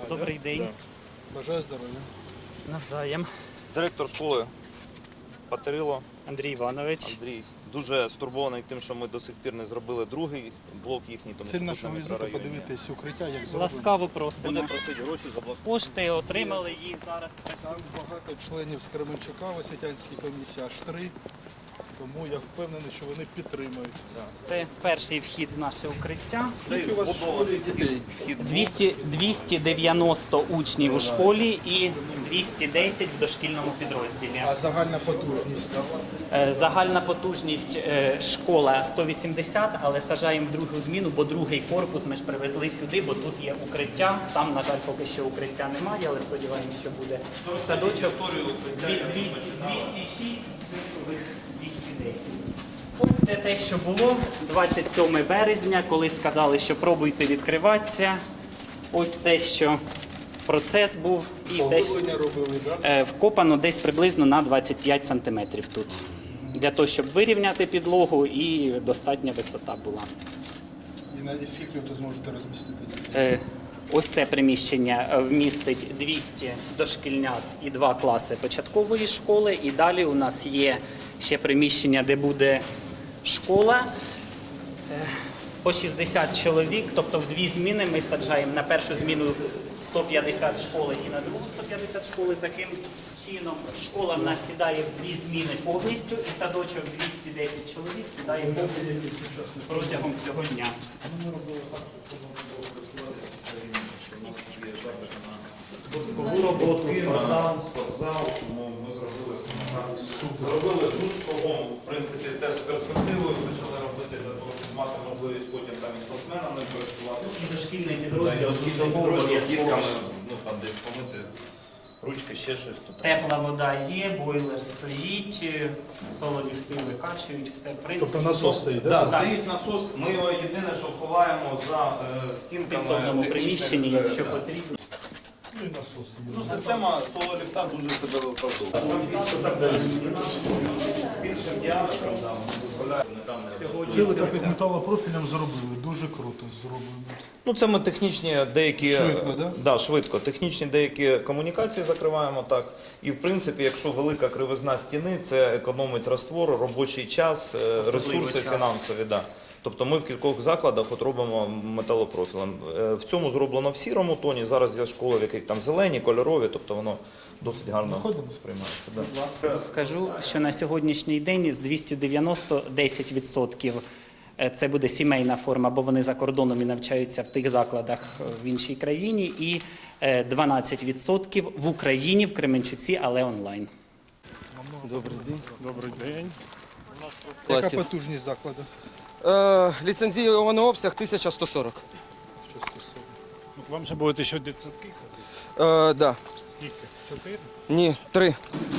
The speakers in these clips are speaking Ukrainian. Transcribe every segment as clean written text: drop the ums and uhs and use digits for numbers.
Добрий день. Бажаю здоров'я. Навзаєм. Директор школи Патерило Андрій Іванович. Андрій дуже стурбований тим, що ми до сих пір не зробили другий блок їхній, тому Ціль що нашого тут на візиту мікрорайоні. подивитись укриття, як зроблено. Ласкаво просимо. Буде просити гроші за блок. Кошти отримали їх зараз. Там багато членів з Кременчука в освітянській комісії, аж 3. Тому я впевнений, що вони підтримують. Це перший вхід в наше укриття. Скільки у вас в школі дітей? 290 учнів у школі і 210 в дошкільному підрозділі. А загальна потужність? Загальна потужність школа 180, але саджаємо другу зміну, бо другий корпус ми ж привезли сюди, бо тут є укриття. Там, на жаль, поки що укриття немає, але сподіваємося, що буде. Садочок 206, списових 210. Ось це те, що було 27 березня, коли сказали, що пробуйте відкриватися. Ось це, що процес був. І Поглиблення робили, так? вкопано десь приблизно на 25 сантиметрів тут. Для того, щоб вирівняти підлогу і достатня висота була. І скільки ви тут зможете розмістити дітей? Ось це приміщення вмістить 200 дошкільнят і 2 класи початкової школи. І далі у нас є ще приміщення, де буде школа. По 60 чоловік, тобто в 2 зміни ми саджаємо на першу зміну 150 школи і на другу 150 школи. Таким чином школа в нас сідає в 2 зміни повністю і садочок 210 чоловік сідає повністю протягом цього дня. Додаткову роботу, Спортзал, тому ми зробили душ кругом, в принципі, теж з перспективою почали робити для того, щоб мати можливість потім там і спортсменами користуватися. і дошкільний Та й підрозділ, дошкільний підрозділ з дітками, ну там десь помити ручки, ще щось тут. тепла вода є, бойлер стоїть, сололіфти викачують, все в принципі. Тобто насос стоїть, так? Да, стоїть насос, ми його єдине, що ховаємо за В стінками підсобному приміщенні, технічних, якщо да. потрібно. Ну і насос. Ну, система соло-ліфта дуже себе виправдовує. Більшим діаметром дозволяє Це ви так як металопрофілем зробили, дуже круто зроблено. Ну, це ми технічні деякі... Швидко, да? Да, швидко. Технічні деякі комунікації закриваємо так. І, в принципі, якщо велика кривизна стіни, це економить раствор, робочий час, ресурси час. фінансові. Да. Тобто ми в кількох закладах от робимо металопрофілем. В цьому зроблено в сірому тоні. Зараз є школи, в яких там зелені, кольорові, тобто воно досить гарно сприймається. Да. Скажу, що на сьогоднішній день з 290 10% це буде сімейна форма, бо вони за кордоном і навчаються в тих закладах в іншій країні, і 12% в Україні, в Кременчуці, але онлайн. Добрий день. Добрий день. Яка Класів. потужність закладу? Ліцензійований обсяг 1140. Вам же будете ще дитсадки ходити? Да. Скільки? 4? Ні, 3.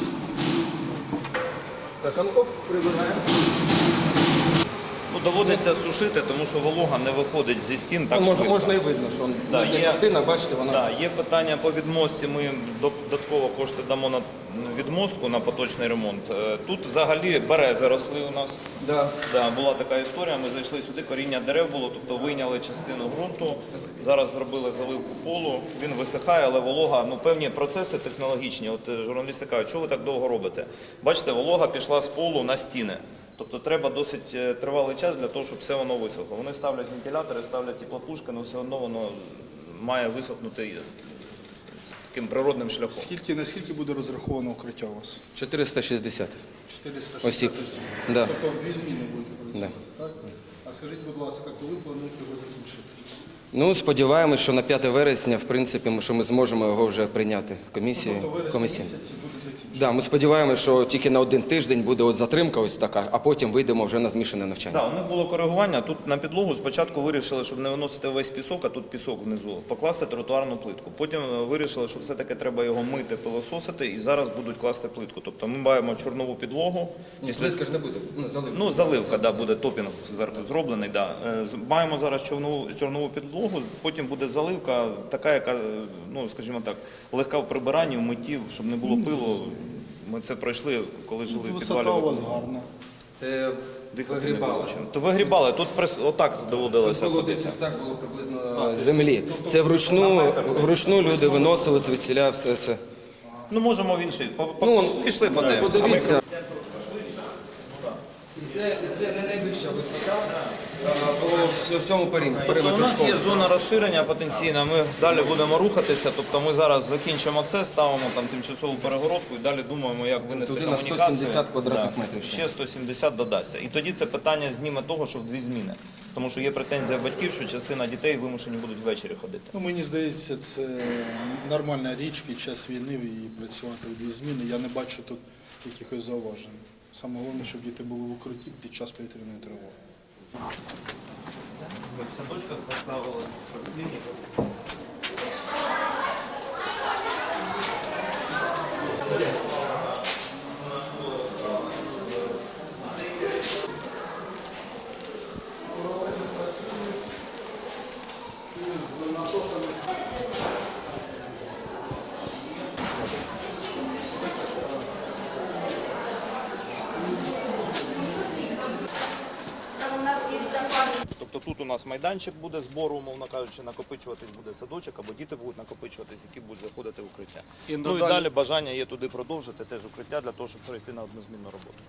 Так, оп, прибираємо. Ну, доводиться сушити, тому що волога не виходить зі стін так швидко. Можна і видно, що Да, нижня є. частина, бачите, вона... Да, є питання по відмостці, ми їм додатково кошти дамо на відмостку, на поточний ремонт. Тут взагалі берези росли у нас. Да. Да, була така історія, ми зайшли сюди, коріння дерев було, тобто вийняли частину ґрунту, зараз зробили заливку полу, він висихає, але волога, ну певні процеси технологічні, от журналісти кажуть, що ви так довго робите? Бачите, волога пішла з полу на стіни. Тобто треба досить тривалий час для того, щоб все воно висохло. Вони ставлять вентилятори, ставлять теплопушки, але все одно воно має висохнути таким природним шляхом. Наскільки буде розраховано укриття у вас? 460. 460 Осіб. осіб. Да. Тобто в 2 зміни будете працювати, так? А скажіть, будь ласка, коли плануєте його закінчити? Ну, сподіваємось, що на 5 вересня, в принципі, що ми зможемо його вже прийняти в комісії. Тобто вересня комісії. місяці буде закінчено? Да, ми сподіваємося, що тільки на 1 тиждень буде от затримка ось така, а потім вийдемо вже на змішане навчання. Так, у них було коригування. Тут на підлогу спочатку вирішили, щоб не виносити весь пісок, а тут пісок внизу, покласти тротуарну плитку. Потім вирішили, що все-таки треба його мити, пилососити, і зараз будуть класти плитку. Тобто ми маємо чорнову підлогу. Плитка ж не буде, заливка. Ну, заливка, да, буде топінг зверху зроблений. Да. Маємо зараз чорнову підлогу, потім буде заливка, така, яка, ну, скажімо так, легка в прибиранні, в митті, щоб не було пилу. Ми це пройшли, коли жили в підвалі. Висота у вас гарна. Це Дихати не вигрібали. було чим. То вигрібали, тут отак доводилося Було ходити. десь ось так було приблизно землі. Це вручну люди виносили звідсіля все це. Ну, можемо в інший. Пішли Подивіться. подивимося. Це не найвища висота по всьому Тобто у периметру нас школи. є зона розширення потенційна, ми далі будемо рухатися, тобто ми зараз закінчимо це, ставимо там тимчасову перегородку і далі думаємо, як винести Туди на комунікацію. 170 квадратних Да. метрів ще. Ще 170 додасться. І тоді це питання зніме того, що в дві зміни. Тому що є претензія батьків, що частина дітей вимушені будуть ввечері ходити. Ну, мені здається, це нормальна річ під час війни і працювати в дві зміни. Я не бачу тут якихось зауважень. Саме головне, щоб діти були в укритті під час повітряної тривоги. Ми в садочках поставили клініку. Тобто тут у нас майданчик буде збору, умовно кажучи, накопичуватись буде садочок, або діти будуть накопичуватись, які будуть заходити в укриття. Ну і далі бажання є туди продовжити теж укриття для того, щоб перейти на однозмінну роботу.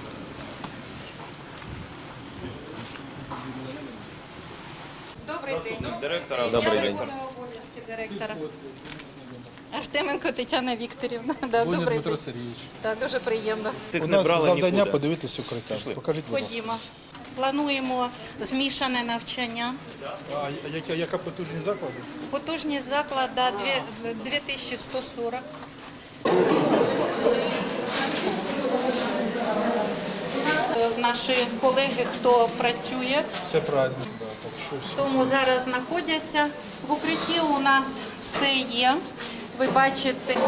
Добрий день. Директора, Я виконую обов'язки директора. Артеменко Тетяна Вікторівна. Да, Лунін добрий Дмитро день. Сергійович. Да, дуже приємно. Цих У не нас брали завдання нікуди. подивитися укриття. Покажіть, будь ласка. Ходімо. Плануємо змішане навчання. А яка потужність закладу? Потужність закладу 2140. Наші колеги, хто працює, Все правильно. Да, так що все. тому зараз знаходяться. В укритті у нас все є. Ви бачите.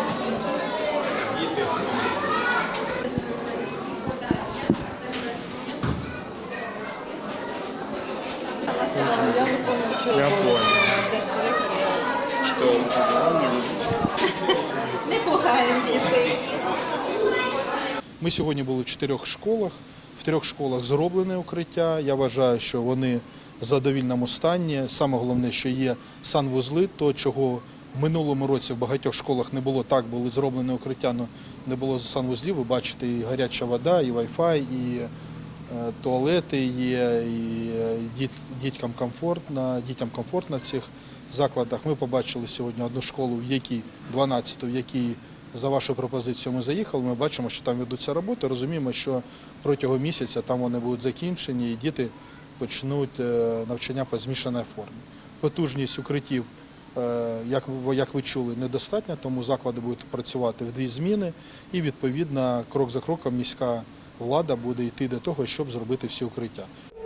Я понял. Непогані дітей. Ми сьогодні були в 4 школах. В 3 школах зроблене укриття. Я вважаю, що вони в задовільному стані. Саме головне, що є санвузли, то чого в минулому році в багатьох школах не було, так були зроблені укриття, але не було санвузлів. Ви бачите, і гаряча вода, і Wi-Fi, і туалети є, і дітям комфортно в цих закладах. Ми побачили сьогодні одну школу, в якій 12-ту, в якій за вашою пропозицією ми заїхали. Ми бачимо, що там ведуться роботи. Розуміємо, що протягом місяця там вони будуть закінчені і діти почнуть навчання по змішаній формі. Потужність укриттів, як ви чули, недостатня, тому заклади будуть працювати в 2 зміни і, відповідно, крок за кроком міська влада буде йти до того, щоб зробити всі укриття.